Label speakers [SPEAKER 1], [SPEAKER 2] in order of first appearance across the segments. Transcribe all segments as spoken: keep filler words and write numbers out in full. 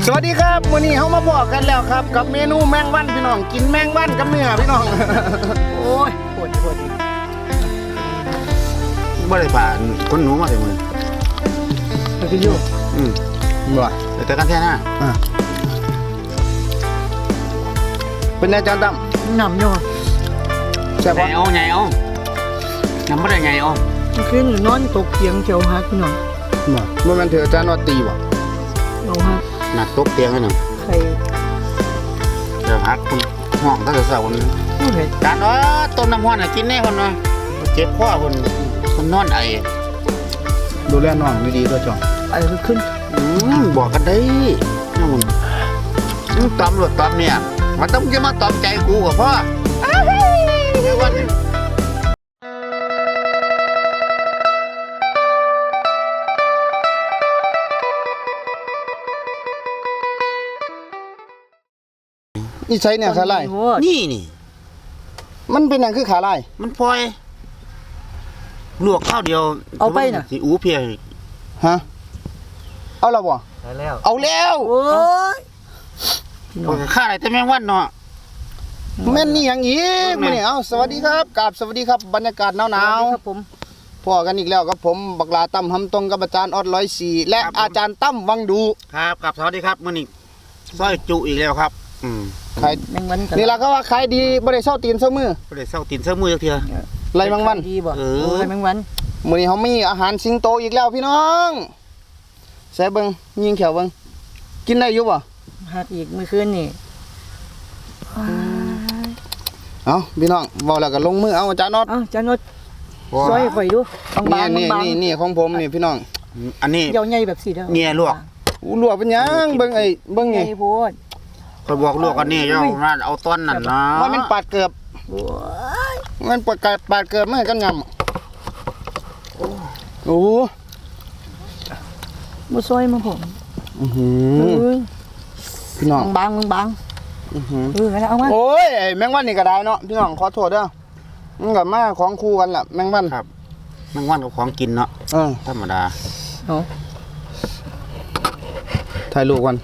[SPEAKER 1] สวัสดีครับวันนี้เขามาบอกกันแล้วครับกับเมนูแมงวันพี่น้องกินแมงวันกับเนื้อพี่น้องโอ้ยปวดปวดอีก
[SPEAKER 2] บ่ได้ผ่านคนหนูมาถึงมือ
[SPEAKER 1] ไปกินอยู่อืมบ่
[SPEAKER 2] แต่กันแท้นะ
[SPEAKER 1] อ่าเป็นอาจารย์ตั้ม
[SPEAKER 3] หนำอยู่
[SPEAKER 2] ใช่ปะเอาไงเอาน้ำไม่ได้ไงเอา
[SPEAKER 3] คืนนอนตกเตียงเจียวฮักพี่น้อง
[SPEAKER 1] บ่เมื่อมันเถอะอาจารย์ว่าตีบ่
[SPEAKER 3] เอาฮัก
[SPEAKER 2] หนักตกเตียงให้หนึ่ง
[SPEAKER 3] ใคร
[SPEAKER 2] เดี๋ยวฮักคุณห้องถ้าจะเศร้าคนนี้การว่าต้มน้ำห้อนกินแน่คนว่าเจ็บข้อคนคนนอนไอ
[SPEAKER 1] ดูแลน้องดีๆตัวจ่อง
[SPEAKER 3] ไอขึ้น
[SPEAKER 2] บอกกันได้นู่นตอมหลุดตอมเนี่ยมันต้องจะมาตอมใจกูกับพ่อวัน
[SPEAKER 1] นี่ใช้เนี่ยขาลาย
[SPEAKER 2] นี่นี่
[SPEAKER 1] มันเป็นอย่างคือขาลาย
[SPEAKER 2] มันพลอยลวกข้าวเดียว
[SPEAKER 3] เอาไปน่ะ
[SPEAKER 2] สิอูเพีย
[SPEAKER 1] ฮะเอาแล้วบ่
[SPEAKER 2] เอาแล้ว
[SPEAKER 1] เอาแล้ว
[SPEAKER 3] โอ้ย
[SPEAKER 2] ข้าอะไรแต่แมงวันเนาะ
[SPEAKER 1] แม่นนี่อย่างอีกมื้อนี้เอ้าสวัสดีครับกราบสวัสดีครับบรรยากาศหนาว
[SPEAKER 3] ๆครับผม
[SPEAKER 1] พอกันอีกแล้วกับผมบักลาตั้มหำตรงกับอาจารย์ออดร้อยสี่และอาจารย์ตั้มวังดู
[SPEAKER 2] ครับกับสวัสดีครับมื้อนี้ซอยจุอีกแล้วครับอืม
[SPEAKER 1] ขายแมงวันนี่ล่ะก็ว่าขายดีบ่ได้เซาตีนเซามือ
[SPEAKER 2] บ่ได้เซาตีนเซามือจักเทื่อ
[SPEAKER 1] ไรแมงวัน
[SPEAKER 3] ดีบ่เออไรแมงวัน
[SPEAKER 1] มื้อนี้เฮามีอาหารสิงโตอีกแล้วพี่น้องแซ่เบิ่งยิงแขวเบิ่งกินได้อยู่บ่
[SPEAKER 3] ฮักอีกมื้อคืนนี่
[SPEAKER 1] เอาพี่น้องเว้าแล้วก็ลงมือเอาอาจารย์น็อต
[SPEAKER 3] เอ้าอาจารย์น็อตซอยข่อยดู
[SPEAKER 1] บางๆนี่นี่นี่ของผมนี่พี่น้อง
[SPEAKER 2] อันนี้
[SPEAKER 3] ยาวใหญ่แบบสิเด้อ
[SPEAKER 2] เงียลวก
[SPEAKER 1] อู้ลวกเป็นหยังเบิ่งไอ้เบิ่งนี่
[SPEAKER 3] ใหญ่โพด
[SPEAKER 2] ข่อยบอกลวกอันนี้ย่อมาเอาต้นนั่นนะ
[SPEAKER 1] ว่ามันปาดเกือบมันปาดกาดปาดเกือบมันกันยำโอ้
[SPEAKER 3] บ่ซอยมาผม
[SPEAKER 1] อื้อหือพี่น้อง
[SPEAKER 3] บางบาง
[SPEAKER 1] อื้อหือ
[SPEAKER 3] เออเอามา
[SPEAKER 1] โอ้ยแมงวันนี่ก็ได้เนาะพี่น้องขอโทษเด้อมันก็มาของคู่กันล่ะแมงวัน
[SPEAKER 2] ครับแมงวันกับของกินเนาะ
[SPEAKER 1] เออ
[SPEAKER 2] ธรรมดา
[SPEAKER 3] เนาะ
[SPEAKER 1] ถ่ายรูปกัน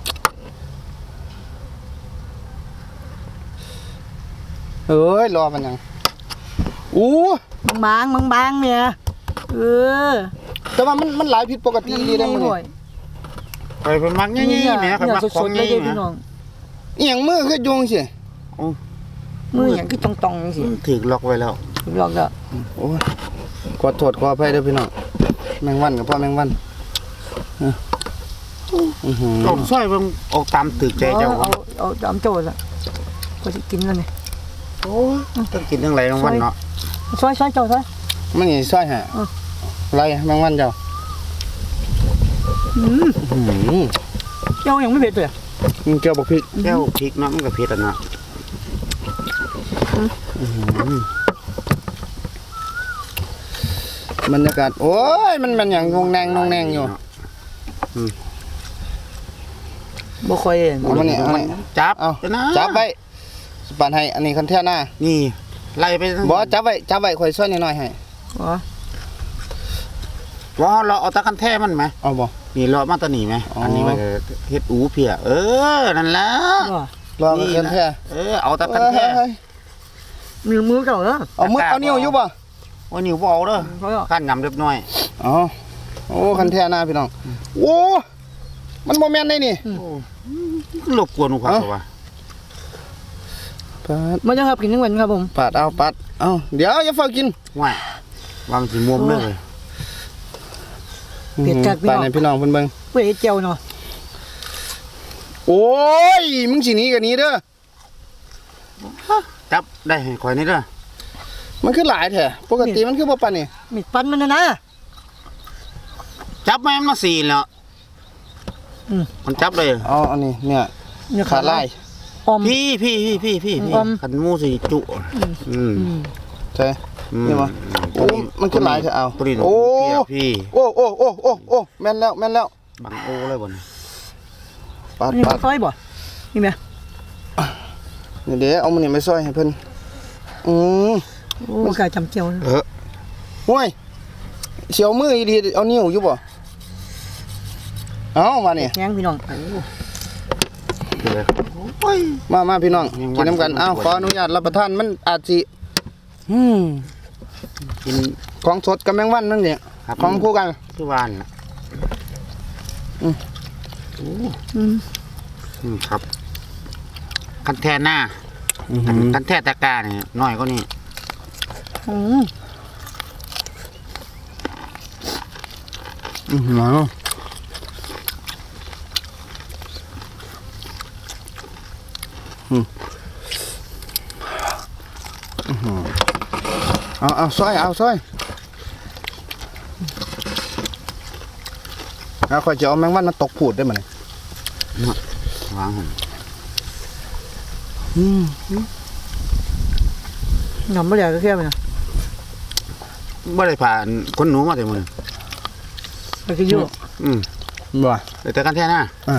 [SPEAKER 1] เอ้ยรอมันยังอู้
[SPEAKER 3] บางบางบางเนี่ยเออ
[SPEAKER 1] แต่ว่ามันมันหลายผิดปกติดีได้มั้ย
[SPEAKER 2] ไปเป็นมักงี้ๆเนี่ยครับมักของงี้เนี่ย
[SPEAKER 1] อีหยังมือคือยุงสิ
[SPEAKER 3] มือหยังคือตองๆจังซี่
[SPEAKER 2] ถูกล็อกไว้แล้ว
[SPEAKER 3] ล็อกแล้ว
[SPEAKER 1] โอ้ยขอโทษขออภัยเด้อพี่น้องแมงวันกับพ่อแมงวันอื้อหือ
[SPEAKER 2] เอาซอยเบิ่งเอาตามตึกใจเจ้า
[SPEAKER 3] เอาเอาตามโจซะก็สิกินแล้วนี่
[SPEAKER 2] โอ้ต้องกินทั้งหลายแมงวันเนาะ
[SPEAKER 3] ซอยๆเจ้าซอย
[SPEAKER 1] มันนี่ซอยฮะไรแมงวันเจ้า
[SPEAKER 3] อืมอืมเจ้ายังไม่เผ็ดเลย
[SPEAKER 1] มันเกี่ยวกับพริก
[SPEAKER 2] แก้วพริกเนาะมันก็เผ็ดอ่ะเนาะ
[SPEAKER 1] บรรยากาศโอ้ยมันมันอย่างงงแนงงงแนงอยู่
[SPEAKER 3] บ่ค่อย
[SPEAKER 1] เอามาเนี่ยเอามา
[SPEAKER 2] จับ
[SPEAKER 1] เอาจับไว้สปานให้อันนี้คันแท่หน้า
[SPEAKER 2] นี่ไล่ไป
[SPEAKER 1] บ่จับไว้จับไว้ค่อยซ้อนนิดหน่อยให้
[SPEAKER 3] อ๋อ
[SPEAKER 2] ว่าเราเอาตะกันแท้มันไหม
[SPEAKER 1] เอาบ่
[SPEAKER 2] นี่รอมาตะหนีไหมอันนี้มันเฮ็ดอูเพียเออนั่นแหละ
[SPEAKER 1] รอมากันแท้
[SPEAKER 2] เออเอาตะกันแท้
[SPEAKER 3] มือมือเก่าเนาะ
[SPEAKER 1] เอามือเอานิ้วอยู่บ่
[SPEAKER 2] ว่านิ้วบ่เอาเด้อขั้นยำเรียบน้อย
[SPEAKER 1] อ๋อโอ้คันแท้หน้าพี่น้องโอ้มันบ่แม่นได้นี่
[SPEAKER 2] รบกวนครับว่า
[SPEAKER 1] ปาด
[SPEAKER 3] มันจะครับกินทั้งวันครับผม
[SPEAKER 1] ปาดเอาปาดเอาเดี๋ยวอย่าเฝ้ากิน
[SPEAKER 2] ว่าวางสิมุมเลย
[SPEAKER 3] เปียกจากพี่น้อง
[SPEAKER 1] พี่น้องเพิ่นเบิ่ง
[SPEAKER 3] เว้ยเจียวเนาะ
[SPEAKER 1] โอ้ยมึงสิหนีกันนี้เด้อ
[SPEAKER 2] จับได้ให้ข่อยนี่เด้อ
[SPEAKER 1] มันคือหลายแท้ปกติมันคือบ่ปานนี่
[SPEAKER 3] มีปันมันนะนะ
[SPEAKER 2] จับแม่นมาสี่แล้ว
[SPEAKER 3] อืม
[SPEAKER 2] มันจับเลย
[SPEAKER 1] อ๋ออันนี้เนี่ยขาลาย
[SPEAKER 2] พี่พี่พี่พี่พี่ขันมูสิจุอืม
[SPEAKER 1] ใช่นี่มั้ยโอ้มันคือหลายแท้เอา
[SPEAKER 2] โอ้พี่
[SPEAKER 1] โอ้โอ้โอ้โอ้โอ้แม่นแล้วแม่นแล้ว
[SPEAKER 2] บังโอ้เลยบ่นี่
[SPEAKER 1] ปาด
[SPEAKER 3] ปาดซอยบ่นี่แม่
[SPEAKER 1] เดี๋ยวเอามันนี่ไปซอยให้เพิ่นอือ
[SPEAKER 3] มันกะจำเจียว
[SPEAKER 1] เออห้วยเสียวมืออีดีเอานิ้วอยู่บ่เอามานี่
[SPEAKER 3] แข็งพี่น้อง
[SPEAKER 2] เลยโอ้ย
[SPEAKER 1] มามาพี่น้อง
[SPEAKER 2] แมงวัน
[SPEAKER 1] กินน้ำกันอ้าวขออนุญาตรับประทานมันอาจสิอืม
[SPEAKER 2] กิน
[SPEAKER 1] ของสดกับแมงวันนั่นเนี่ย
[SPEAKER 2] ครับ
[SPEAKER 1] ของคู่กัน
[SPEAKER 2] คือวานน่ะ
[SPEAKER 1] อืม
[SPEAKER 2] โอ้
[SPEAKER 3] อืม
[SPEAKER 2] อืมครับคันแท่หน้าคันแท่ตะกร้าเนี่ยน้อยก็นี่
[SPEAKER 3] อืม
[SPEAKER 1] อือหืออืมอื้อหือเอาเอาซอยเอาซอยเอาข่อยจะเอาแมงวันมาตกผูดได้ไหม
[SPEAKER 2] วางหั่น
[SPEAKER 1] อืม
[SPEAKER 3] หนำไม่ได้ก็แค่ไปนะ
[SPEAKER 2] บ่ได้ผ่านคนหนูมาแต่มื้อ
[SPEAKER 3] ไปกินอยู่
[SPEAKER 2] อืม
[SPEAKER 1] บ่
[SPEAKER 2] แต่คันแท่หน้า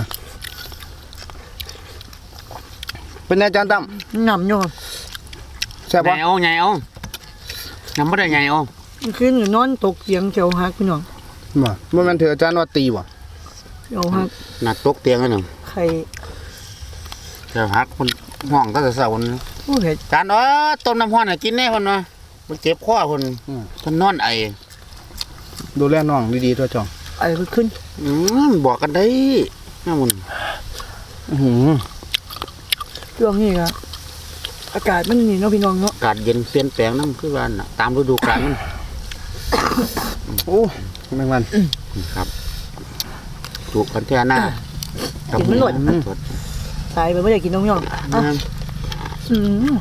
[SPEAKER 1] เป็นไงอาจารย์ตั้ม
[SPEAKER 3] หนำอยู่
[SPEAKER 1] แซ่บ
[SPEAKER 2] ใหญ่
[SPEAKER 1] ปะ
[SPEAKER 2] เอาใหญ่เอานำบ่ได้ใหญ่เอา
[SPEAKER 3] ขึ้นอยู่นอนตกเสียงเฉียวหักพี่น้อง
[SPEAKER 1] บ่บ่แม่นถืออาจารย์ว่าตีบ่
[SPEAKER 3] เฉียวหัก
[SPEAKER 2] หนักตกเตียงกันหนึ่ง
[SPEAKER 3] ไข่
[SPEAKER 2] แต่ฮักคนห้องตั้งแต่เช้าคน
[SPEAKER 3] โอ้เห็ด
[SPEAKER 2] การเออต้มน้ำห้อนให้กินแน่คนว่ามันเจ็บคอคนคนนอนไอ
[SPEAKER 1] ดูแลน้องดีๆตัวจอง
[SPEAKER 3] ไอ้ขึ้น
[SPEAKER 2] อืมบอกกันได้น่ามุน
[SPEAKER 1] อื้อหือ
[SPEAKER 3] ช่วงนี้ก็อากาศมันนี่เนาะพี่น้องเนาะ
[SPEAKER 2] อากาศเย็นเปลี่ยนแปลงน้ำคือว่าน่ะตามฤดูกาลมัน
[SPEAKER 1] โอ้แมงวัน
[SPEAKER 2] ครับถูกกันแท่หน้า
[SPEAKER 3] กินมันหล่น
[SPEAKER 2] สด
[SPEAKER 3] ตายไปไม่ได้กินน้องพี่น้องอ่ะ
[SPEAKER 2] น้
[SPEAKER 3] อืม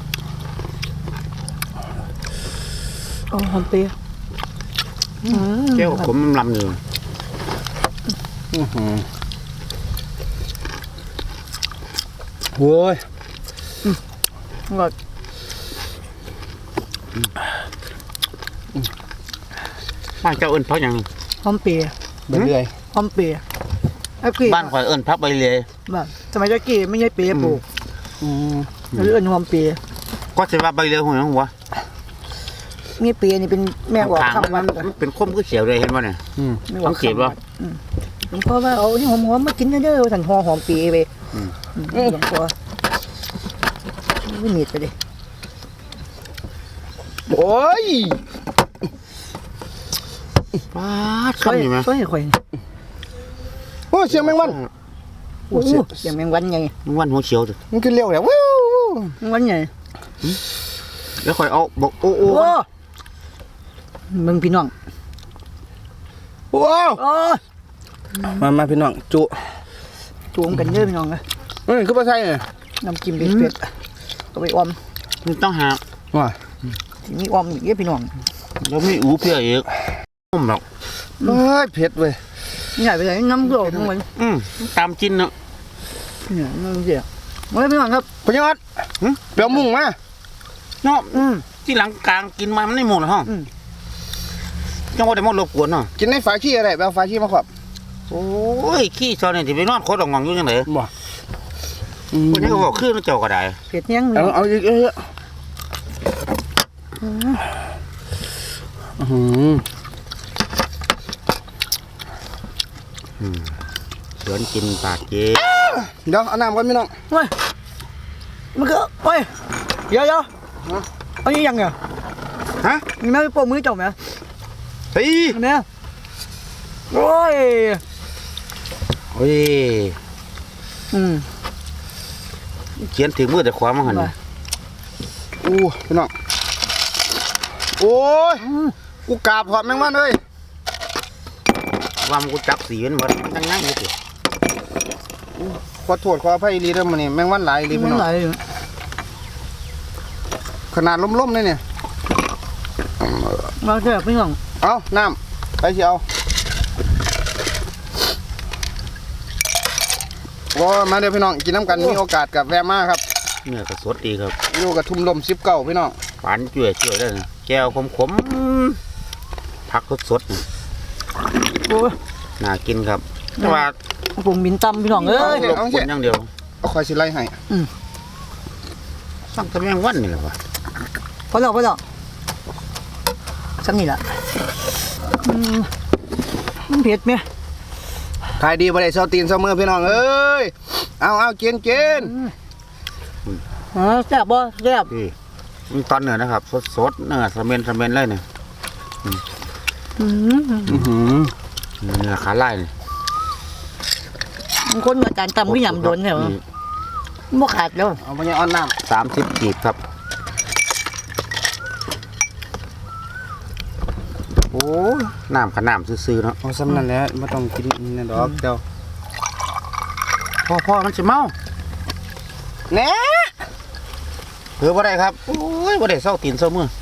[SPEAKER 3] เอาหอมเปรี้ยวอืม
[SPEAKER 2] ำแก้วขมลำอยู่
[SPEAKER 1] อื้อหือโว้ย
[SPEAKER 3] หลอด
[SPEAKER 2] บ้านเจ้าเอิ้นพักหยัง
[SPEAKER 3] หอมเปรี้ยว
[SPEAKER 1] ไปเรื่อย
[SPEAKER 3] หอมเปรี้ยวไอ้กี้
[SPEAKER 2] บ้านข่อยเอิ้นพักใบเลย
[SPEAKER 3] แบบสมัยตะกี้ไม่ใช่เปรี้ยวปลูก
[SPEAKER 1] อืม
[SPEAKER 3] หรือเอิ้นหอมเปรี้ยว
[SPEAKER 2] ก็สิว่าใบเลยหัวหยังหัว
[SPEAKER 3] นี่เปรี้ยวนี่เป็นแม่บอก
[SPEAKER 2] ทาง
[SPEAKER 3] คำ
[SPEAKER 2] มั
[SPEAKER 3] วัน น
[SPEAKER 2] มันเป็นคมคือเสียวเลยเห็นบ่เนี่ย
[SPEAKER 1] อืม
[SPEAKER 3] แม่บอก
[SPEAKER 2] สังเกตบ่
[SPEAKER 3] คำวันอืมหลวงพ่อว่าเอาที่หอมๆมากินเด้อๆสั่นหอหอมเปรี้ยวไป
[SPEAKER 2] อืม
[SPEAKER 3] อืมหลวงพ่อไม่หนีดไปดิ
[SPEAKER 1] โอ้ย
[SPEAKER 2] ป้าด
[SPEAKER 3] ช่วย
[SPEAKER 2] คำอยู่ไหม
[SPEAKER 3] ช่วยให้ข่อย
[SPEAKER 1] โอ้เสียงแมงวัน
[SPEAKER 3] โอ้โหเสียงแมงวันไง
[SPEAKER 2] มันวันหัวเขียวจ้ะ
[SPEAKER 1] มันขึ้นเร็วแล้ววิว
[SPEAKER 3] แมงวันไง
[SPEAKER 2] แล้วข่อยเอาบอกโอ้โอ้
[SPEAKER 3] โอ้มึงพี่น้อง
[SPEAKER 1] โอ้
[SPEAKER 3] โอ้
[SPEAKER 1] มามาพี่น้องจุ
[SPEAKER 3] จูงกันเยอะพี่น้องเลย
[SPEAKER 1] เอ้ยคือปลาไทยเนี่ย
[SPEAKER 3] น้ำจิ้มเผ็ดๆเอาไปออม
[SPEAKER 2] มันต้องหา
[SPEAKER 1] ว่า
[SPEAKER 3] ทีนี้ออมอีกเยอะพี่น้อง
[SPEAKER 2] แล้วไม่อูเพียอีกนุ่มหรอก
[SPEAKER 1] เอ้ยเผ็ดเว้ย
[SPEAKER 3] นี่ใหญ่ไปไหนน้ำโกรธทั้งวัน
[SPEAKER 2] อืมตามจินเนาะ
[SPEAKER 3] เนี่ยน้ำเสียมาเลยพี่น้องครับ
[SPEAKER 1] พญอดเปรี้ยวมุ่งมา
[SPEAKER 2] เนาะ
[SPEAKER 3] อืม
[SPEAKER 2] ที่หลังกลางกินมามันไม่หมดหรอกฮะ
[SPEAKER 3] อืม
[SPEAKER 2] จังว่าได้หมดรบกวนเนาะ
[SPEAKER 1] กินในฝาขี้อะไรแบบฝาขี้มาขอบ
[SPEAKER 2] โอ้ยขี้ซอยเนี่ยที่ไปนอนโคตรงองอยู่ยังไง
[SPEAKER 1] บ่
[SPEAKER 2] คนนี้ก็บอกขึ้นเจ้าก็ได้
[SPEAKER 3] เผ็ดยังเล
[SPEAKER 1] เอา
[SPEAKER 3] ย
[SPEAKER 1] เอาอีกเยอะอืม
[SPEAKER 2] เสือนกินปากเจ๊
[SPEAKER 1] เดี๋ยวเอาน้ำก่อนพี่น้อง
[SPEAKER 3] เฮ้ยมันก็เฮ้ยเดี๋ยวเดี๋ยวเอานี้ยังไง
[SPEAKER 1] ฮะ
[SPEAKER 3] มีแม่ไปโปะมือจบไหม
[SPEAKER 1] เฮ้ย
[SPEAKER 3] เนี่ยโอ้ย
[SPEAKER 2] โอ้ย
[SPEAKER 3] อืม
[SPEAKER 2] เขียนถึงมือแต่ขวามาหัน
[SPEAKER 1] อู้พี่น้องโอ้ยกูกราบหอมแมงวันเลย
[SPEAKER 2] ว่ามันกูจับสีมันหมดนั่งนั่งอยู่สิ
[SPEAKER 1] ขอโทษขออภัยอีหลีเด้อมื้อนี้แมงวันหลายอีหลีพี่
[SPEAKER 3] มัน
[SPEAKER 1] น้อง
[SPEAKER 3] ไหล
[SPEAKER 1] ขนาดล้มๆเลยเนี่ย
[SPEAKER 3] มาเถอะพี่น้อง
[SPEAKER 1] เอาน้ำไปสิเอาโอ้มาเดี๋ยวพี่น้องกินน้ำกันมีโอกาสกับแวะมาครับ
[SPEAKER 2] เนื้อกระสดดีครับ
[SPEAKER 1] อยู่กับทุ่มลมสิบเก้าพี่น้อง
[SPEAKER 2] ปานจ่วยจ่วยได้นะแก้วขมขมๆผักสดๆนี่
[SPEAKER 3] โอ้ย
[SPEAKER 2] น่ากินครับแต่ว่า
[SPEAKER 3] ปรุงบินตำพี่น้องเอ้ย
[SPEAKER 2] รบกวนอย่างเดียว
[SPEAKER 1] เอาคอยสิไล่ให้
[SPEAKER 2] สั่งแต่แมงวันนี่แหละวะ
[SPEAKER 3] พอแล้วพอแล้วซ้ำนี่แหละอืมมันเผ็ดไหม
[SPEAKER 1] ถขายดีบ่ได้เซาตีนเซามือพี่น้องเอ้ยเอาเอากินกิน
[SPEAKER 3] อ๋อแซ่บบ่แซ่บ
[SPEAKER 2] นี่มันตอนเนื้อนะครับสดๆเนื้อสะเมนสะเมนเลยเนี่ย
[SPEAKER 3] อืม
[SPEAKER 1] อื้อหือ
[SPEAKER 2] เนื้อขาลายนี่
[SPEAKER 3] มันคนมาจานตำก็ยำโดนใช่ไหมบ่ขาดแล้ว
[SPEAKER 1] เอาไปยังอ่อนน้
[SPEAKER 2] สามสิบกีบครับโอ้ยน้ำขน้ำซื่อๆเนาะ
[SPEAKER 1] ำเอาซ้ำนั่นแหละไม่ต้องกินนี่ดอกเจ้า
[SPEAKER 2] พ่อพ่อมันจะเมา
[SPEAKER 1] แหน่
[SPEAKER 2] เผื่อบ่ได้ครับโอ้ยบ่ได้เศร้าตีนเศร้ามือ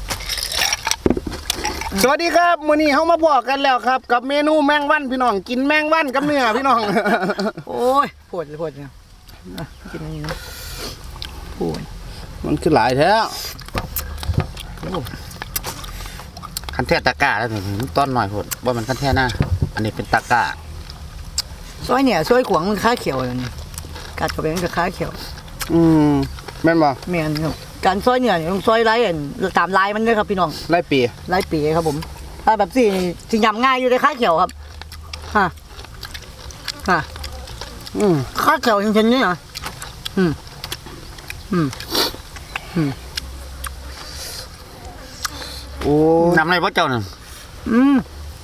[SPEAKER 1] สวัสดีครับมื้อนี้เฮามาพอกันแล้วครับ กับเมนูแมงวันพี่น้องกินแมงวันกับเนื้อพี่น้อง
[SPEAKER 3] โอ้ยปวดเลยปวดเนี่ยอ่ะกินอันนี้นะปวด
[SPEAKER 1] มันคือหลายแท้
[SPEAKER 2] คันแท้ตะกร้าแล้วนี่มันต้นหน่อยโพดว่ามันคันแท้หน้าอันนี้เป็นตะกร้า
[SPEAKER 3] ซอยเนี่ยซอยขวางมันค้าเขียวเลยนี่กัดเข้าไปมันก็ค้าเขียว
[SPEAKER 1] อืมแม่นบ่
[SPEAKER 3] แม่นครับการซอยเนี่ยต้องซอยไรอันตามลายมันเลยครับพี่น้อง
[SPEAKER 1] ไล่ปี
[SPEAKER 3] ลายปีครับผมถ้าแบบสี่สิยำง่ายอยู่ในค้าเขียวครับฮะฮะ
[SPEAKER 1] อืม
[SPEAKER 3] ค้าเขียวจริงๆนี่เหรออืมอืมอืม
[SPEAKER 1] โอ้
[SPEAKER 2] นำอะไรพ่อเจ้าน่ะ
[SPEAKER 3] อืม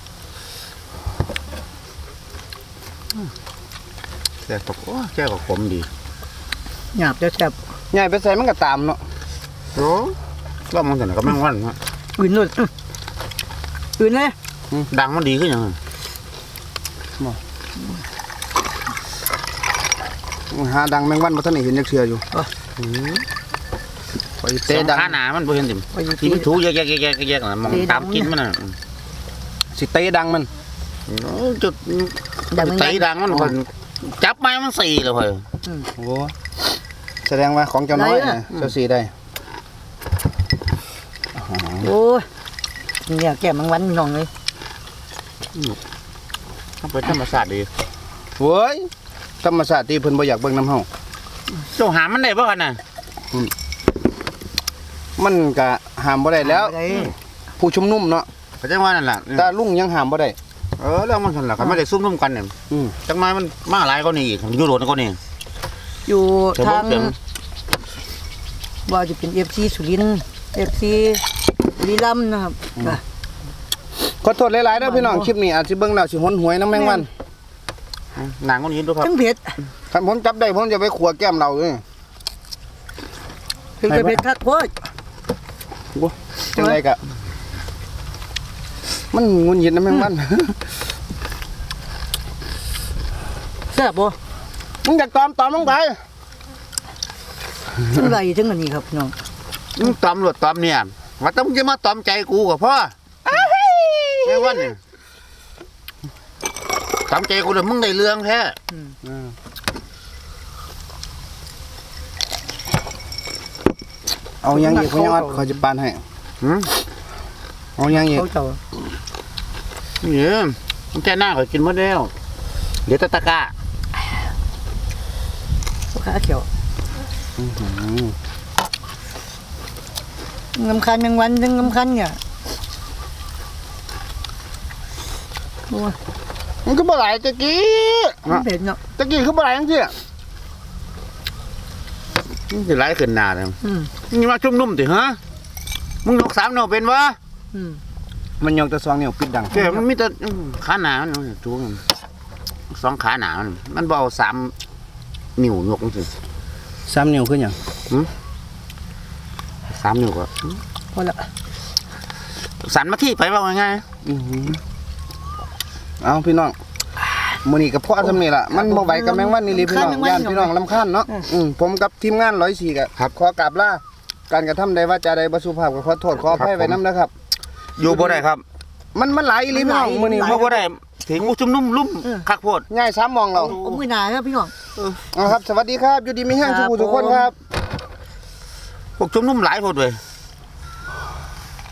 [SPEAKER 2] แซ่บตกโอ้แซ่บกับขมดี
[SPEAKER 3] หยาบจะแซ่บ
[SPEAKER 1] ใหญ่ไปใส่มันก็ตามเนาะ
[SPEAKER 2] โอ้ก็มองแต่ไหนก็แม่งวันเนาะ
[SPEAKER 3] อื่นเลยอื้ออื่นเลย
[SPEAKER 2] ดังมันดีขึ้นยังไง
[SPEAKER 1] หาดังแมงวันบ่ทันได้เห็นจักเทื่ออยู่ไป
[SPEAKER 2] เตะ
[SPEAKER 1] เตะ
[SPEAKER 2] ดั
[SPEAKER 1] ดั
[SPEAKER 2] ง
[SPEAKER 1] ง
[SPEAKER 2] ขาหนามันบ่เห็นติม
[SPEAKER 3] ไปอยู่
[SPEAKER 2] ที่
[SPEAKER 3] ที่
[SPEAKER 2] มันถูแยกแยกแยกแยกแยกน่ะมองตามกินมันน่ะ
[SPEAKER 1] สิเตะดังมัน
[SPEAKER 2] โอ้จุดเตะดังมันคนจับไม้มันสี่เลยเฮ้ย
[SPEAKER 1] โอ้แสดงว่าของเจ้าน้อยนะเจ้าสีได้
[SPEAKER 3] โอ้ยเนี่ยแก้มังวันน้องเลย
[SPEAKER 2] มันเป็นธรรมชาติดี
[SPEAKER 1] เว้ยธรรมชาติที่เพิ่นบ่อยากเบิ่งน้ำเฮา
[SPEAKER 2] เจ้าหามันได้บ่กันน่ะ
[SPEAKER 1] มันก็ห้ามบ่ได้แล้ว
[SPEAKER 3] ได้
[SPEAKER 1] ผู้ชุมนุมเนาะ
[SPEAKER 2] เขาจะว่านั่นแหละ
[SPEAKER 1] แต่ลุงยังห้ามบ่ได้
[SPEAKER 2] เออเรื่องมันสั่นล่ะเขาไม่ได้ซุ่มร่วมกันเนี่ย
[SPEAKER 1] อืม
[SPEAKER 2] จังไม้มันมาหลายก็นี่อีกยุโรปก็นี่
[SPEAKER 3] อยู่
[SPEAKER 2] เดี๋ยว
[SPEAKER 3] ทาง
[SPEAKER 2] ผมเดี๋ยว
[SPEAKER 3] ว่าจะเป็นเอฟซีสุรินทร์เอฟซีบุรีรัมย์นะครับอ่ะ
[SPEAKER 1] ขอโทษหลายๆเด้อพี่น้องคลิปนี้อาจสิเบิ่งแล้วสิหนหวยน้ำแมงวัน
[SPEAKER 2] หนังคนนี้ดูครับ
[SPEAKER 3] ทั้งเผ็ด
[SPEAKER 1] คันผมจับได้ผมจะไปขัวแก้มเราเลย
[SPEAKER 3] ถึงจะเผ็ดคักโคตร
[SPEAKER 1] โอ้จังไดก็มันงุนหงิดน้ำแมงวัน
[SPEAKER 3] แซ่บบ่
[SPEAKER 1] มึงอยากตอมตอมลงไป
[SPEAKER 3] ทั้งไรทั้งอันนี้ครับพี่น้อง
[SPEAKER 2] มึงตอมหลวดตอมเนี่ยว่าต้องจะมาตอมใจกูกับพ่อแม่วันเนี่ยตอมใจกูเลยมึงได้เรื่องแท้
[SPEAKER 1] เอายังอีกพ่อยังวัดขอจะปานให้
[SPEAKER 2] หืม
[SPEAKER 1] เอายังอีก
[SPEAKER 3] เขาเจ้า
[SPEAKER 2] เนี่ยมันแค่หน้าเขากินหมดแล้วเดี๋ยวตะตะกะ
[SPEAKER 3] ขาเขียวงำคันแมงวันทั้งงำคันเนี่ยโอ้ย
[SPEAKER 1] มันก็บ่หลายตะกี้
[SPEAKER 3] มันเผ็ดเนาะ
[SPEAKER 1] ตะกี้คือบ่หลายจังซี่
[SPEAKER 2] มึงจะไล่ขึ้นหน้าเลย
[SPEAKER 3] อืม
[SPEAKER 2] มึงมาชุ่มนุ่มติฮะมึงยกสามโนเป็นวะ
[SPEAKER 3] อืม
[SPEAKER 1] มันยองแต่ซองเนี่ยปิดดัง
[SPEAKER 2] แค่มันมีแต่ขาหนามันจูงสองขาหนามันมันเบเอาสามนิ้วยกสิ
[SPEAKER 1] สามนิ้วคือหยัง
[SPEAKER 2] สามนิ้วก็
[SPEAKER 3] พอละ
[SPEAKER 2] สันมาที่ไปว่าไง
[SPEAKER 1] อื้อหือเอาพี่น้องมื้อนี้ก็พอซำนี้ล่ะมันบ่ไหวกับแมงวันนี่ลิพี่น้องย่านพี่น้องรำคาญเนาะอืมผมกับทีมงานร้อยสี่ก็ขอกราบลาการกระทำใดว่าจาใดบ่สุภาพก็ขอโทษขออภัยไว้นำนะครับ
[SPEAKER 2] อยู่บ่ได้ครับ
[SPEAKER 1] มันมันหลายอีหลีพี่น้องมื้อนี้
[SPEAKER 2] อยู่บ่ได้ถึงมุชุ่มนุ่มลุ่มคักโพด
[SPEAKER 1] ง่ายสามมองเรา
[SPEAKER 3] เอามือหนาครับพี่น้อง
[SPEAKER 1] เอาครับสวัสดีครับอยู่ดีมีแห้งทุกผู้ทุกคนครับ
[SPEAKER 2] พวกชุ่มนุ่มหลายโพดเลย
[SPEAKER 3] ค